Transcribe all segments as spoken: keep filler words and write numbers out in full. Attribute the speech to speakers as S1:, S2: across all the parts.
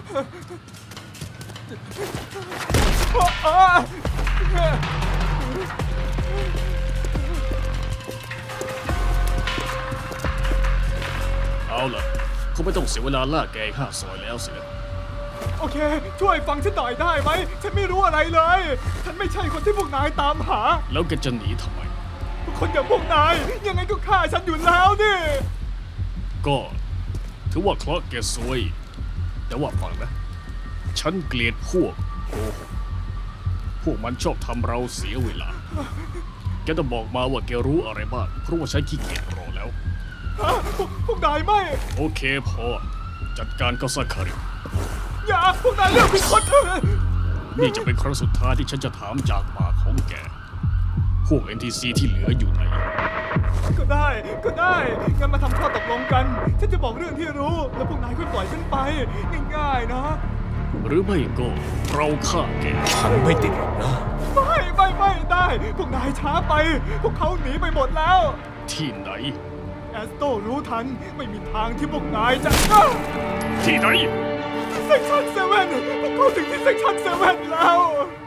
S1: เอาล่ะเขาไม่ต้องเสียเวลาลากแกข้าซอยแล้วสินะ
S2: โอเคช่วยฟังฉันหน่อยได้ไหมฉันไม่รู้อะไรเลยฉันไม่ใช่คนที่พวกนายตามหา
S1: แล้วแกจะหนีทำไม
S2: คนอย่างพวกนายยังไงก็ฆ่าฉันอยู่แล้วนี่
S1: ก็ถือว่าเคราะห์แกซวย แต่ว่าฟังนะ ฉันเกลียดพวกโกหกพวกมันชอบทำเราเสียเวลา แกต้องบอกมาว่าแกรู้อะไรบ้าง เพราะว่าฉันขี้เกียจรอแล้ว
S2: ฮะพวกพวกนายไม่
S1: โอเคพอ จัดการก็สักคาริ
S2: อย่าพวกนายเลือกผิดคนเถอะ
S1: นี่จะเป็นครั้งสุดท้ายที่ฉันจะถามจากปากของแก พวก เอ็น ที ซี ที่เหลืออยู่ไหน
S2: ก็ได้ก็ได้งั้นมาทำข้อตกลงกันฉันจะบอกเรื่องที่รู้แล้วพวกนายค่อยปล่อยฉันไปง่ายๆนะ
S1: หรือไม่ก็เราฆ่าแก
S3: ฉันไม่ติดหรอกนะ
S2: ไม่ไม่ไม่ได้ พวกนายช้าไป พวกเขาหนีไปหมดแล้ว
S1: ที่ไหน
S2: แอสโตรู้ทันไม่มีทางที่พวกนายจะ
S1: ที่ไหน
S2: เซ็กชันเซเว่นพวกเขาถึงที่เซ็กชันเซเว่นแล้ว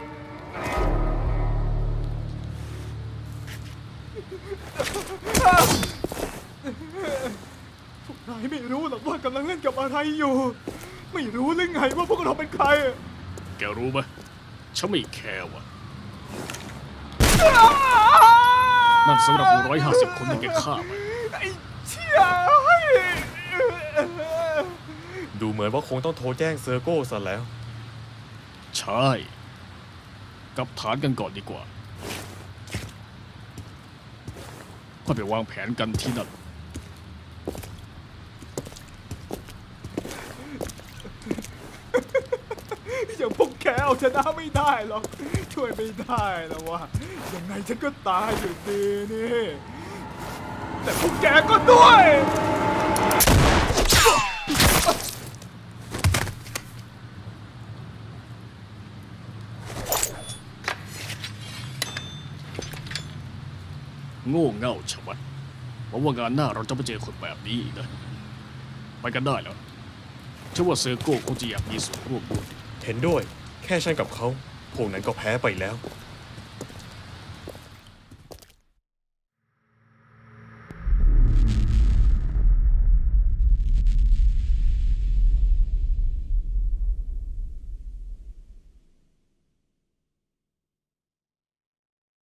S2: พวกนายไม่รู้หรอกว่ากำลังเล่นกับอะไรอยู่ ไม่รู้หรือไงว่าพวกเราเป็นใคร
S1: แกรู้ไหมฉันไม่แคร์ว่ะ นั่นสำหรับหนึ่งร้อยห้าสิบคนที่แกฆ่าไป
S2: ไอ้เชี่ย
S3: ดูเหมือนว่าคงต้องโทรแจ้งเซอร์โก้ซะแล้ว
S1: ใช่ กลับฐานกันก่อนดีกว่าค่อยไปวางแผนกันที่นั่น
S2: อย่างพวกแกเอาชนะไม่ได้หรอกช่วยไม่ได้แล้ววะยังไงฉันก็ตายอยู่ดีนี่แต่พวกแกก็ด้วย
S1: โง่เง่าชะมัดหวังว่างานหน้าเราจะไม่เจอคนแบบนี้อีกนะ ไปกันได้แล้วเชื่อว่าเซอร์โก้คงจะอยากมีส่วนร่วมด้วย
S3: เห็นด้วย แค่ฉันกับเขา พวกนั้นก็แพ้ไปแล้ว